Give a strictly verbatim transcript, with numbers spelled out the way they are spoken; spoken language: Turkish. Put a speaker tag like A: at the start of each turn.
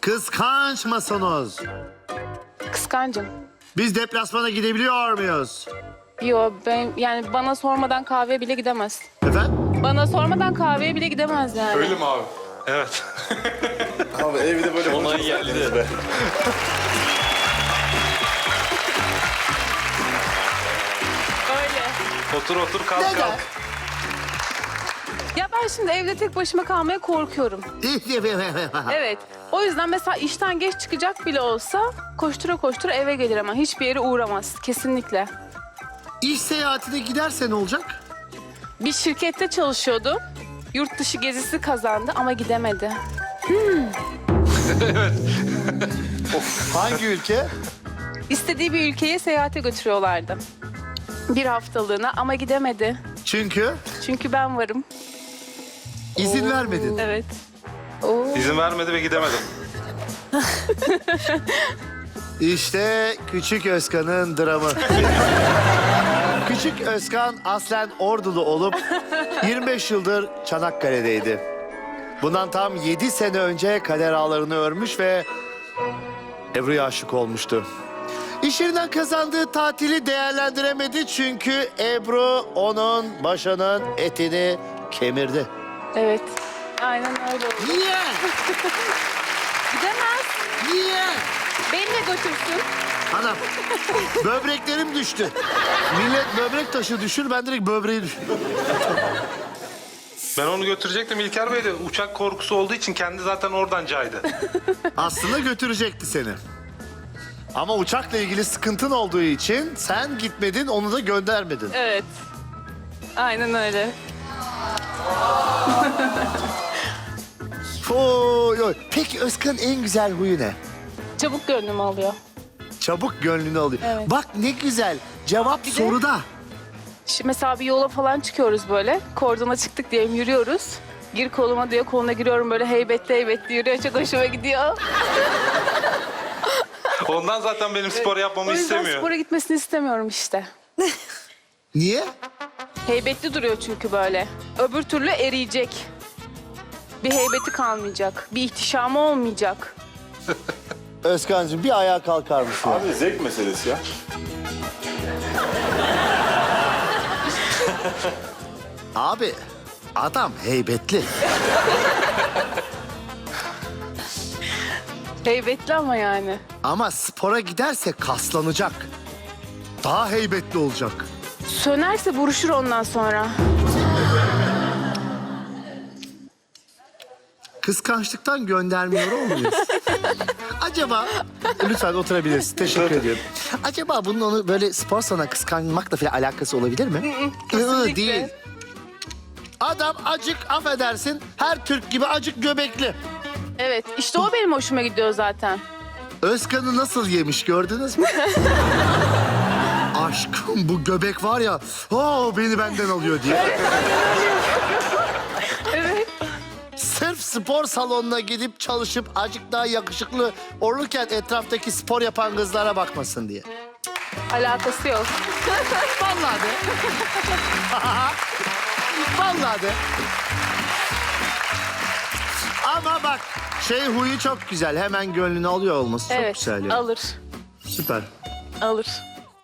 A: Kıskanç mısınız?
B: Kıskancım.
A: Biz deplasmana gidebiliyor muyuz?
B: Yo ben yani bana sormadan kahveye bile gidemez.
A: Efendim?
B: Bana sormadan kahveye bile gidemez yani.
C: Öyle mi abi? Evet.
D: Abi evde böyle
C: Onay geldi.
D: be.
B: Öyle.
C: Otur otur kalk
A: Neden?
C: kalk.
B: Ya ben şimdi evde tek başıma kalmaya korkuyorum. Evet. O yüzden mesela işten geç çıkacak bile olsa koştura koştura eve gelir ama hiçbir yere uğramaz. Kesinlikle.
A: İş seyahatine giderse ne olacak?
B: Bir şirkette çalışıyordu. Yurt dışı gezisi kazandı ama gidemedi.
A: Hangi ülke?
B: İstediği bir ülkeye seyahate götürüyorlardı. Bir haftalığına ama gidemedi.
A: Çünkü
B: Çünkü ben varım.
A: izin vermedin.
B: Evet.
C: İzin vermedi ve gidemedim.
A: İşte Küçük Özkan'ın dramı. Küçük Özkan aslen Ordulu olup yirmi beş yıldır Çanakkale'deydi. Bundan tam yedi sene önce kader ağlarını örmüş ve Ebru'ya aşık olmuştu. İş yerinden kazandığı tatili değerlendiremedi çünkü Ebru onun başının etini kemirdi.
B: Evet. Aynen öyle oldu.
A: Niye?
B: Gidemez.
A: Niye?
B: Beni de götürsün.
A: Anam, böbreklerim düştü. Millet böbrek taşı düşür, ben direkt böbreği düşür.
C: Ben onu götürecektim İlker Bey de uçak korkusu olduğu için kendi zaten oradan caydı.
A: Aslında götürecekti seni. Ama uçakla ilgili sıkıntın olduğu için sen gitmedin, onu da göndermedin.
B: Evet. Aynen öyle.
A: Oy, oy. Peki Özkan'ın en güzel huyu ne?
B: Çabuk gönlümü alıyor.
A: Çabuk gönlünü alıyor.
B: Evet.
A: Bak ne güzel. Cevap
B: de-
A: soruda.
B: Şimdi mesela bir yola falan çıkıyoruz böyle. Kordona çıktık diyelim yürüyoruz. Gir koluma diyor. Koluna giriyorum böyle heybetli heybetli yürüyor. Çok hoşuma gidiyor.
C: Ondan zaten benim spor yapmamı
B: O yüzden
C: istemiyor.
B: spora gitmesini istemiyorum işte.
A: Niye?
B: Heybetli duruyor çünkü böyle. Öbür türlü eriyecek. Bir heybeti kalmayacak. Bir ihtişamı olmayacak.
A: Özkan'cığım bir ayağa kalkar mısın?
D: Abi zevk meselesi ya.
A: Abi, adam heybetli.
B: Heybetli ama yani.
A: Ama spora giderse kaslanacak. Daha heybetli olacak.
B: Sönerse buruşur ondan sonra.
A: Kıskançlıktan göndermiyor olmayız. Acaba, lütfen oturabilirsin. Teşekkür ediyorum. Acaba bunun onu böyle spor salonuna kıskanmakla falan alakası olabilir mi?
B: kesinlikle.
A: Değil. Adam acık, affedersin, her Türk gibi acık göbekli.
B: Evet işte o benim hoşuma gidiyor zaten.
A: Özkan'ı nasıl yemiş gördünüz mü? Aşkım bu göbek var ya, o beni benden alıyor diye.
B: Evet.
A: Sırf spor salonuna gidip çalışıp acık daha yakışıklı olurken etraftaki spor yapan kızlara bakmasın diye.
B: Alakası yok.
A: Vallahi de. Vallahi de. Ama bak şey huyu çok güzel. Hemen gönlünü alıyor olması çok
B: Evet
A: güzel ya.
B: alır.
A: Süper.
B: Alır.